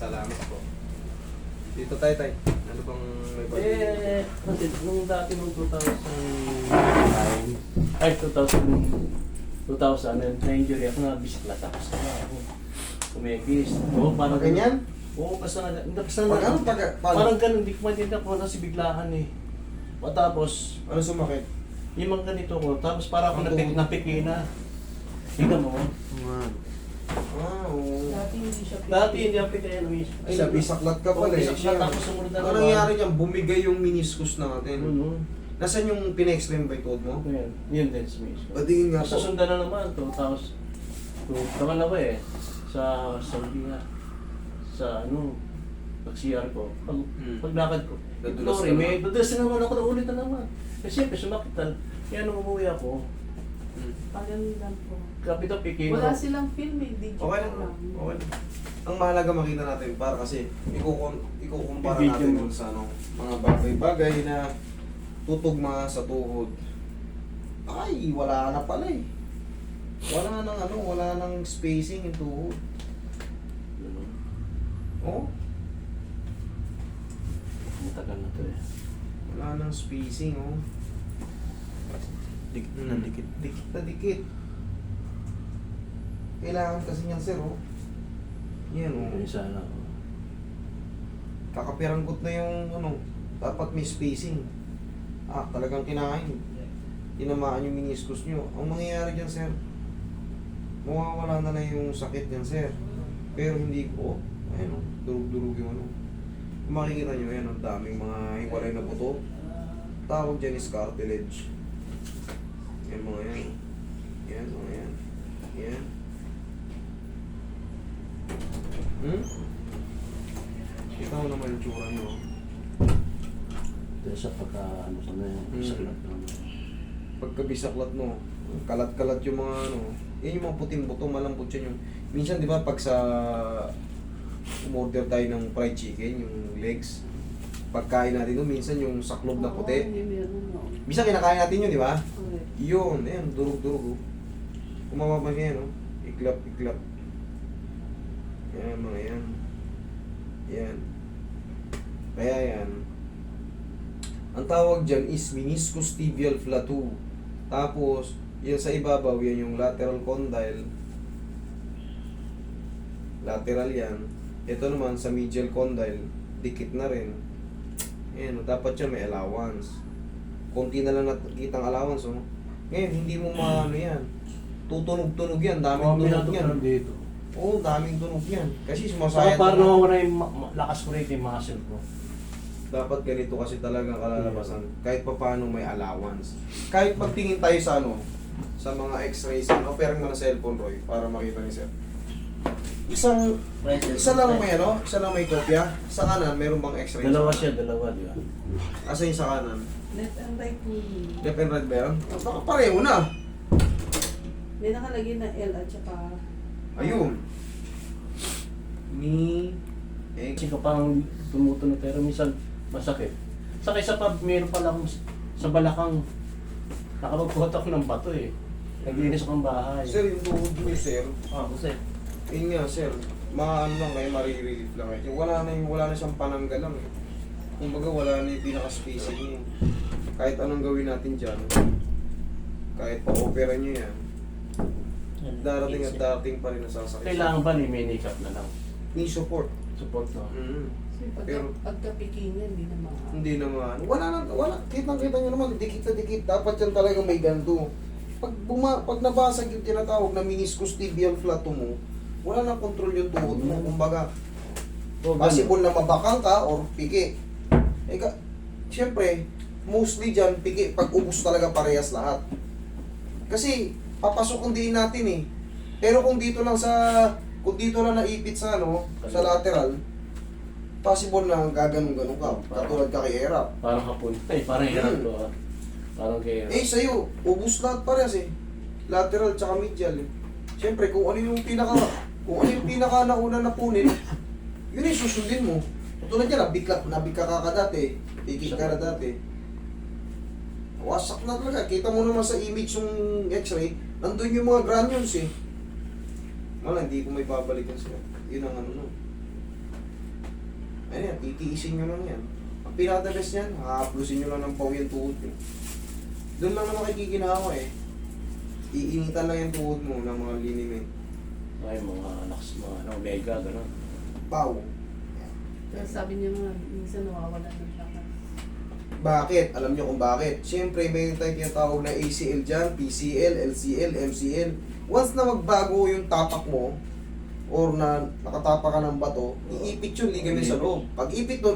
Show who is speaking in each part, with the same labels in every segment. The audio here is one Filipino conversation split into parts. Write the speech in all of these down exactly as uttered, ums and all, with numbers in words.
Speaker 1: Salamat po. Dito tayo tayo. Ano bang may pag-
Speaker 2: Eh, kasi nung dati nung two thousand nine, ay two thousand, two thousand, na-injury ako, na-bisiklat ako sa ako. Kumekis. Oo, parang
Speaker 1: Ganyan?
Speaker 2: Oo, basta na, hindi basta
Speaker 1: Pag
Speaker 2: na,
Speaker 1: ano? Pag, pag,
Speaker 2: parang ganun, hindi ko maintindihan ko kasi biglaan eh. Matapos,
Speaker 1: ano sumakit?
Speaker 2: yung mga ganito ko, tapos para ako
Speaker 1: Ang
Speaker 2: napik,
Speaker 1: tuhod.
Speaker 2: napiki na. Tingnan mo.
Speaker 1: Man. Ah, oo.
Speaker 3: Dati hindi siya
Speaker 2: Dati hindi ako pikaya ng isip.
Speaker 1: Ay, sa bisaklat ka pala eh.
Speaker 2: Bisaklat ako, sumunod na
Speaker 1: Ano
Speaker 2: naman.
Speaker 1: nangyari niyan? Bumigay yung meniscus natin.
Speaker 2: Ano?
Speaker 1: Nasaan yung pina-explain ba yung code mo?
Speaker 2: Ayan, yun din sa mismo.
Speaker 1: Patingin nga po.
Speaker 2: Masasundan na naman, two thousand. Pangalawa eh, sa Saudi nga. Sa ano, pag-C R ko, pag,
Speaker 1: Hmm.
Speaker 2: paglakad ko.
Speaker 1: Nadulas
Speaker 2: Sorry,
Speaker 1: ka
Speaker 2: may
Speaker 1: naman.
Speaker 2: nadulas na naman ako na ulit na naman. Kasi siyempre sumakitan. Kaya nung umuwi ako,
Speaker 1: Hmm.
Speaker 3: Tagal lang po.
Speaker 2: kapit ang pikino.
Speaker 3: Wala silang film eh, digital
Speaker 1: Okay lang.
Speaker 3: lang.
Speaker 1: Okay lang. Ang mahalaga makita natin para kasi ikukun ikukumpara
Speaker 2: Video
Speaker 1: natin
Speaker 2: mo.
Speaker 1: dun sa ano, mga bagay-bagay na tutugma sa tuhod. Ay, wala na pala eh. Wala nang ano, wala nang spacing yung tuhod.
Speaker 2: Ano,
Speaker 1: Oh,
Speaker 2: matagal na to eh.
Speaker 1: wala nang spacing oh.
Speaker 2: Dikit
Speaker 1: Hmm.
Speaker 2: dikit.
Speaker 1: Dikit na dikit. Kailangan kasi niyan sir oh. Yan oh.
Speaker 2: Yung sana ako.
Speaker 1: Kakapiranggot na yung ano, dapat may spacing. Ah, talagang kinain. Tinamaan yung meniscus nyo. Ang mangyayari dyan, sir, mawawala na lang yung sakit dyan, sir. Pero hindi ko, ayun, oh, durug-durug yung ano. Kung makikita nyo, yan, ang daming mga hiwalay na buto. Tawag dyan is cartilage. Yan mga yan. Yan, mga yan. Yan. Hmm? Kita mo naman yung tsura nyo.
Speaker 2: Dahil sa pagka, ano sa na yan,
Speaker 1: Hmm.
Speaker 2: saklat na naman.
Speaker 1: Pagkabisaklat mo, kalat-kalat yung mga ano, yan yung mga puting buto, malambot yan yung, minsan di ba pag sa, umorder tayo ng fried chicken, yung legs, pagkain natin doon, minsan yung saklob na
Speaker 3: Oo,
Speaker 1: puti,
Speaker 3: hindi meron no.
Speaker 1: minsan kinakain natin yun, di ba?
Speaker 3: Correct.
Speaker 1: Yun, ayan, durug-durug, oh. Kung mapapansin yan, oh, iklap-iklap. Yan, mga yan. Yan. Kaya yan, ang tawag dyan is meniscus tibial flatus. Tapos, yan sa ibabaw, yan yung lateral condyle. Lateral yan. Ito naman sa medial condyle, dikit na rin. Ayan, dapat yan may allowance. Konti na lang nakikitang allowance, oh. Ngayon, hindi mo maano yan. Tutunog-tunog yan, daming tunog yan.
Speaker 2: Pinatutunan dito.
Speaker 1: Oo, daming tunog yan. Kasi
Speaker 2: Saka
Speaker 1: sumasayad
Speaker 2: parang
Speaker 1: na.
Speaker 2: nawawala yung ma- ma- lakas ko rin yung muscle ko.
Speaker 1: Dapat ganito kasi talagang kalalabasan. Kahit pa paano may allowance. Kahit pagtingin tayo sa ano, sa mga x-rays, ano, opera mo na cellphone, Roy, para makita ni Sir. Isang, isa lang may ano, isa lang may kopya. Sa kanan, meron bang x-ray?
Speaker 2: Dalawa siya, dalawa, di ba?
Speaker 1: Asa yung sa kanan?
Speaker 3: Left and right po yun.
Speaker 1: Left and right ba yan? Ah, baka pareho na.
Speaker 3: May nakalagay na L at saka...
Speaker 1: Ayun. Ni, eh,
Speaker 2: Kasi kapang tumutunog pero minsan masakit. Saka isa pa, meron pala akong sa balakang nakapagpuhat ako ng bato eh. Naglinis akong bahay.
Speaker 1: Sir, yung tuhod nyo, Sir.
Speaker 2: Ah, kasi
Speaker 1: Yun nga, Sir. Maano lang kayo, marirelief lang kayo. Yung wala na yung, wala na siyang pananggal lang eh. Kumbaga wala na yung pinaka-spacing niya. Kahit anong gawin natin dyan, kahit pa-opera nyo yan, darating at darating pa rin nasasakit.
Speaker 2: kailangan ba ni make-up na lang?
Speaker 1: May support.
Speaker 2: Support no?
Speaker 1: Mm.
Speaker 3: Kasi pagka,
Speaker 1: Pero-
Speaker 3: pagkapiking niya, hindi na mga...
Speaker 1: Hindi naman. Wala na, wala. Kitang-kita nyo naman, dikit na dikit. Dapat yan talaga may ganito. Pag, buma, pag nabasag yung tinatawag na meniscus tibial flatus mo, wala nang control yung tuhod mo.
Speaker 2: Mm.
Speaker 1: Kumbaga,
Speaker 2: O,
Speaker 1: possible na mabakang ka or piki. Eh, ka, siyempre, mostly dyan, piki, pag ubus talaga parehas lahat. Kasi, papasok kung diin natin eh. Pero kung dito lang sa, kung dito lang naipit sa ano, sa lateral, possible na gaganon-ganon ka. Katulad ka kay Erap.
Speaker 2: Parang hapon. Ay, parang hirap
Speaker 1: Hmm.
Speaker 2: ko ah. Parang kaya.
Speaker 1: Eh, sa'yo, ubus lahat parehas eh. Lateral tsaka medial eh. Siyempre, kung ano yung pinaka, kung ano yung pinaka nauna na punin, yun yung susundin mo. Tulad yan, nabikla, nabika ka ka dati, ikik ka na dati. Wasak na talaga. Kita mo naman sa image yung x-ray, nandun yung mga granules eh. Wala, hindi ko may babalikan sila. Yun ang ano no. Ano yan, titiisin nyo lang yan. Ang pinaka-best yan, haaplusin nyo lang ng paw yung tuhod nyo. Doon lang naman kikikinawa eh. Iinitan lang yung tuhod mo ng mga liniment.
Speaker 2: Ay, mga anak, mga ano, omega, gano'n.
Speaker 1: Paw.
Speaker 3: Kaya sabi niya nga, minsan nawawala ng lakas.
Speaker 1: Bakit? Alam nyo kung bakit? Siyempre, may tayong tinatawag na A C L dyan, P C L, L C L, M C L. Once na magbago yung tapak mo, or na nakatapa ka ng bato, iipit yung ligament sa loob. Pag ipit nun,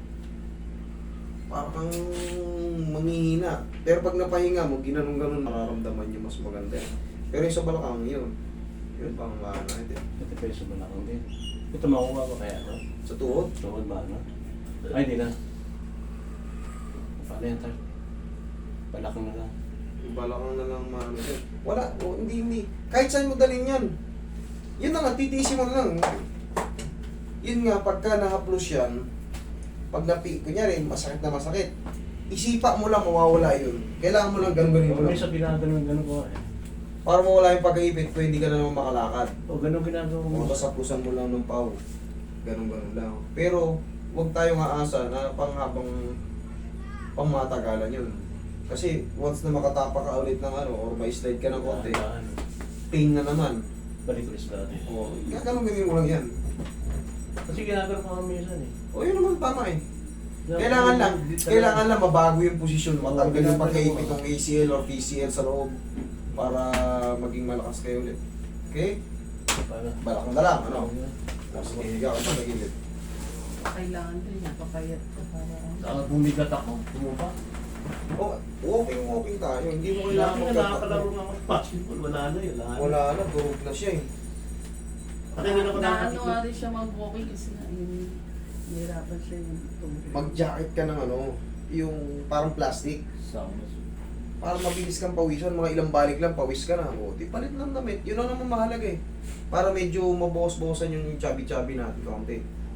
Speaker 1: parang manghihina. Pero pag napahinga mo, ginanong-ganon, mararamdaman nyo mas maganda. Pero yung sa balakang yun, yun pang ano, ito.
Speaker 2: Ito pa yung sa balakang din. Ito makuha ko kaya, no?
Speaker 1: Sa tuhod,
Speaker 2: Tuhod ba, no? Ay, di na. Paano yan, Tar? Balakang na lang.
Speaker 1: yung balakang na lang maano din. Wala, o, hindi, hindi. Kahit saan mo dalhin yan. Yun na nga, titiisin mo na lang. Yun nga, pagka nahaplos yan, pag napi, kunyari, masakit na masakit, isipa mo lang, mawawala yun. Kailangan mo lang ganun-ganin mo
Speaker 2: May
Speaker 1: lang.
Speaker 2: sa ginaganon gano'n ko eh.
Speaker 1: Para mawala yung pag-iipit, kung hindi ka na naman makalakad.
Speaker 2: O, gano'n ginagawa
Speaker 1: O,
Speaker 2: mo.
Speaker 1: tapos hapusan mo lang ng pau. Ganun-ganun lang. Pero, huwag tayong aasa na panghabang pangmatagalan yun. Kasi, once na makatapa ka ulit ng ano, or may slide ka ng konti,
Speaker 2: Dahan-dahan.
Speaker 1: pain na naman.
Speaker 2: Balik ulit sa dati.
Speaker 1: O, ganun-ganin mo lang yan.
Speaker 2: Kasi ginagawa ko kami minsan eh.
Speaker 1: O, yun naman tama eh. Kailangan lang, kailangan lang mabago yung posisyon, matanggal yung pagkaipit ng A C L or P C L sa loob para maging malakas kayo ulit. Okay?
Speaker 2: Paano?
Speaker 1: Balakang na lang, ano? Tapos mahiga ka pa sa gilid.
Speaker 3: Kailangan din niya, papayat ka para...
Speaker 2: Saka bumigat ako, bumupa.
Speaker 1: Oh, walking, walking tayo. Hindi mo
Speaker 2: Lagi
Speaker 1: kailangan
Speaker 2: na
Speaker 1: magtatakbo.
Speaker 2: nakakalaro nga ako sa basketball, wala na yun. Wala na.
Speaker 1: Wala na, durog na siya eh.
Speaker 2: Kasi hindi na ako
Speaker 3: Na ano
Speaker 2: nakakita.
Speaker 3: nga rin siya mag-walking kasi na yung nahirapan siya yung tumulong.
Speaker 1: Mag-jacket ka ng ano, yung parang plastic.
Speaker 2: Sama.
Speaker 1: Para mabilis kang pawisan, mga ilang balik lang, pawis ka na. O, di palit lang damit. Yun ang naman mahalaga eh. Para medyo mabawas-bawasan yung chubby-chubby natin kaunti.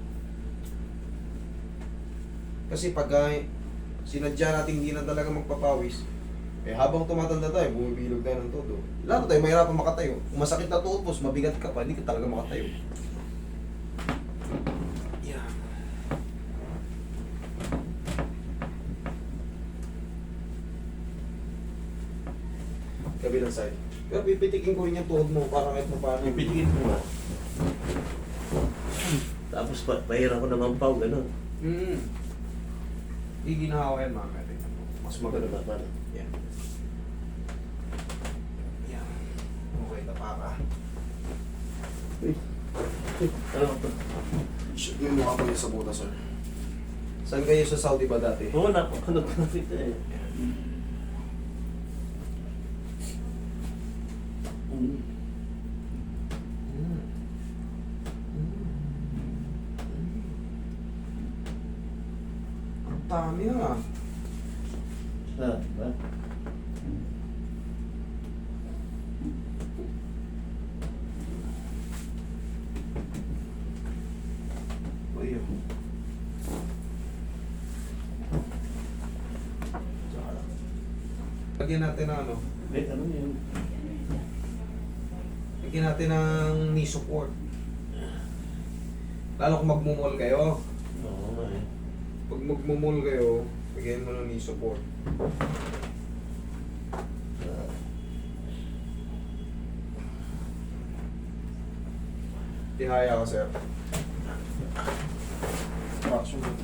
Speaker 1: Kasi pag uh, sinadya natin hindi na talaga magpapawis, eh habang tumatanda tayo, bumibilog tayo ng todo. Lalo tayo, mahirapan makatayo. Kung masakit na tuhod mo, mabigat ka pa, hindi ka talaga makatayo. Yeah. Kabilang side. Pero pipitikin ko rin yung tuhod mo para kahit pa paano.
Speaker 2: Pipitikin ko nga. Tapos pa, pahira ko naman pao, gano'n.
Speaker 1: Hmm. Hindi ginawa yan mga kapatid. Mas
Speaker 2: Magano
Speaker 1: maganda.
Speaker 2: ba? Paano?
Speaker 1: Yan. Yan. Okay, tapa ka.
Speaker 2: Uy. Uy, ano ba ito?
Speaker 1: Shoot mo yung mukha ko niya sa buta, sir. Saan kayo sa Saudi ba dati?
Speaker 2: Oo, napakanood ko na kita eh. Mm.
Speaker 1: Hmm. Ang dami na.
Speaker 2: Ah, ba?
Speaker 1: Uy, yun. Tsaka lang. Lagyan natin ng ano?
Speaker 2: Wait, ano yun?
Speaker 1: Lagyan natin ng knee support. Lalo kung magmumol kayo.
Speaker 2: Oo nga eh.
Speaker 1: Pag magmumol kayo, lagyan mo ng knee support.
Speaker 2: Ah.
Speaker 1: Tihaya ka, sir. Traction mo.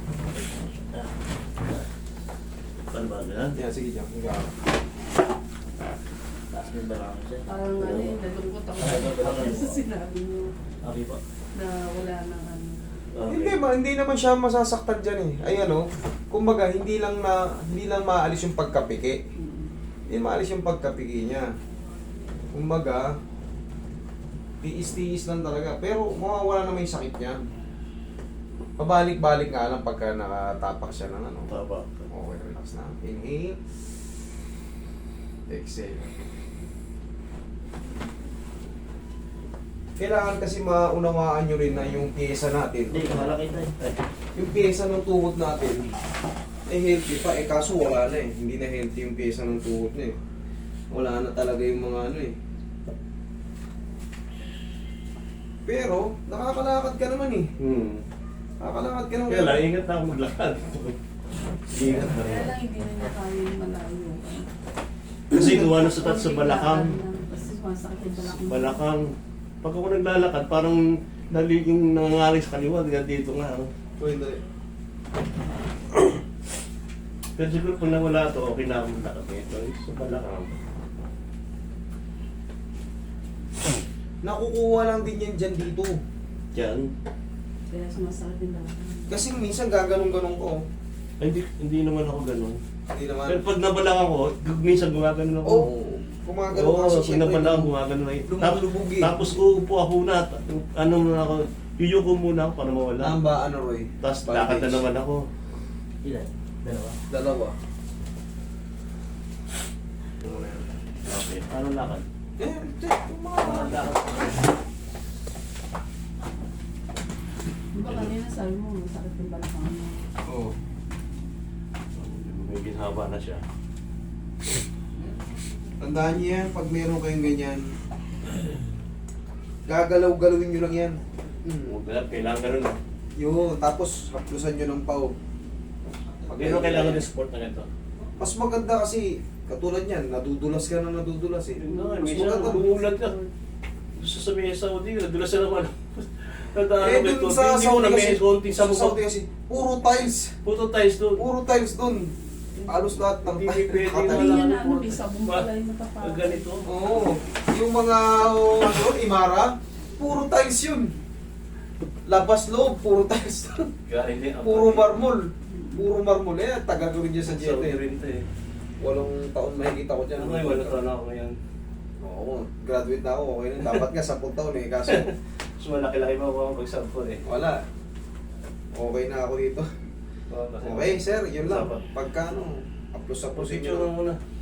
Speaker 2: Paano ba ganun?
Speaker 1: Yeah, sige dyan. Higa ka.
Speaker 2: Taas mo yung balakang siya.
Speaker 3: Parang ano eh, nalungkot ako
Speaker 2: Ay, nalungkot
Speaker 3: sa
Speaker 2: ako.
Speaker 3: sinabi niyo
Speaker 2: Okay po.
Speaker 3: na wala nang ano.
Speaker 2: Okay.
Speaker 1: Hindi ma, hindi naman siya masasaktan diyan eh. Ay ano, kumbaga hindi lang na hindi lang maalis yung pagkapiki.
Speaker 3: Mm.
Speaker 1: Hindi maalis yung pagkapiki niya. Kumbaga, tiis-tiis lang talaga. Pero mawawala naman yung sakit niya. Pabalik-balik nga lang pagka nakatapak siya ng ano.
Speaker 2: Taba.
Speaker 1: Okay, relax na. Inhale. Exhale. Kailangan kasi maunawaan nyo rin na yung pyesa natin.
Speaker 2: Hindi, malaki tayo. Ay.
Speaker 1: Yung pyesa ng tuhod natin, eh healthy pa. Eh kaso wala na eh. Hindi na healthy yung pyesa ng tuhod na eh. Wala na talaga yung mga ano eh. Pero, nakakalakad ka naman eh.
Speaker 2: Hmm.
Speaker 1: Kakalakad ka naman.
Speaker 2: Kaya lang, ingat na ako maglakad. Ingat na
Speaker 3: Kaya
Speaker 2: rin.
Speaker 3: lang hindi na niya kaya yung malayo.
Speaker 2: Kasi gawa na sa tat sa balakang.
Speaker 3: Kasi sumasakit yung balakang.
Speaker 2: Balakang. Pag ako naglalakad, parang dali yung nangangaring sa kaliwa, kaya dito nga. oh.
Speaker 1: Uy, dali.
Speaker 2: Pero siguro kung nawala ito, okay na akong lakad nito. Yung sa balakang.
Speaker 1: Nakukuha lang din yan dyan dito.
Speaker 2: Diyan.
Speaker 3: Kaya sumasakit yung balakang.
Speaker 1: Kasi minsan gaganong-ganong ko.
Speaker 2: Ay, hindi, hindi naman ako ganun.
Speaker 1: Hindi naman.
Speaker 2: Pero pag nabalakang ko, minsan gumagano ako.
Speaker 1: Oo. Oh, kumagano
Speaker 2: Oo,
Speaker 1: kasi
Speaker 2: pag
Speaker 1: siyempre.
Speaker 2: nabalakang gumagano na yun. Tapos,
Speaker 1: Lumulubog eh.
Speaker 2: tapos uupo ako na. Ano muna ako, yuyuko muna ako para mawala.
Speaker 1: Ang ba, ano Roy?
Speaker 2: Tapos lakad na naman ako.
Speaker 4: Ilan? Dalawa?
Speaker 1: Dalawa.
Speaker 2: Okay, ano lakad?
Speaker 1: Eh, hindi. Yung mga
Speaker 2: Ano lakad?
Speaker 3: Di ba kanina sabi mo, masakit yung balakang mo.
Speaker 1: Oo.
Speaker 2: May ginhaba na siya.
Speaker 1: Tandaan niyo yan, pag meron kayong ganyan, gagalaw-galawin nyo lang yan. Hmm.
Speaker 2: Huwag na, kailangan ganun na.
Speaker 1: Yun, tapos haplusan nyo ng pao. Pag
Speaker 2: Pero
Speaker 1: ganyan,
Speaker 2: kailangan ng support na ganito.
Speaker 1: mas maganda kasi, katulad yan, nadudulas ka na nadudulas eh.
Speaker 2: Yun na,
Speaker 1: Mas
Speaker 2: minsan
Speaker 1: maganda.
Speaker 2: bumulat ka. Gusto sabihin sa Saudi, nadulas na naman. Tandaan
Speaker 1: Eh,
Speaker 2: ko ito,
Speaker 1: dun sa
Speaker 2: hindi ko
Speaker 1: Saudi
Speaker 2: na may
Speaker 1: kasi,
Speaker 2: konting
Speaker 1: sa
Speaker 2: sa
Speaker 1: Saudi
Speaker 2: mukha.
Speaker 1: kasi, puro tiles.
Speaker 2: Puto tiles doon.
Speaker 1: Puro tiles dun. Halos lahat ng
Speaker 2: Hindi
Speaker 1: tiles.
Speaker 2: pwede
Speaker 1: nakatayo.
Speaker 3: Hindi
Speaker 2: wala
Speaker 3: niya na
Speaker 2: nang
Speaker 3: ano,
Speaker 2: puro-
Speaker 3: may sabong
Speaker 2: Ba-
Speaker 3: pala yung matapang.
Speaker 2: Pag ganito.
Speaker 1: Oo. Yung mga, oh, ano, Imara, puro tiles yun. Labas loob, puro tiles dun.
Speaker 2: Kaya hindi.
Speaker 1: Puro marmol. Puro marmol. Eh, taga ko rin dyan sa
Speaker 2: Saudi
Speaker 1: Jete.
Speaker 2: rin ito eh.
Speaker 1: Walong taon mahigit ako dyan.
Speaker 2: Ano ngayon, wala taon ako ngayon.
Speaker 1: Oo, graduate na ako. Okay na. Dapat nga sampung taon eh. Kaso,
Speaker 2: Mas malaki-laki pa ako pag-sample eh.
Speaker 1: wala. Okay na ako dito.
Speaker 2: Oo, kasi-
Speaker 1: Okay, sir. Yun lang.
Speaker 2: Dapat.
Speaker 1: Pagka ano, aplos-aplosin
Speaker 2: Picture
Speaker 1: nyo.
Speaker 2: lang muna.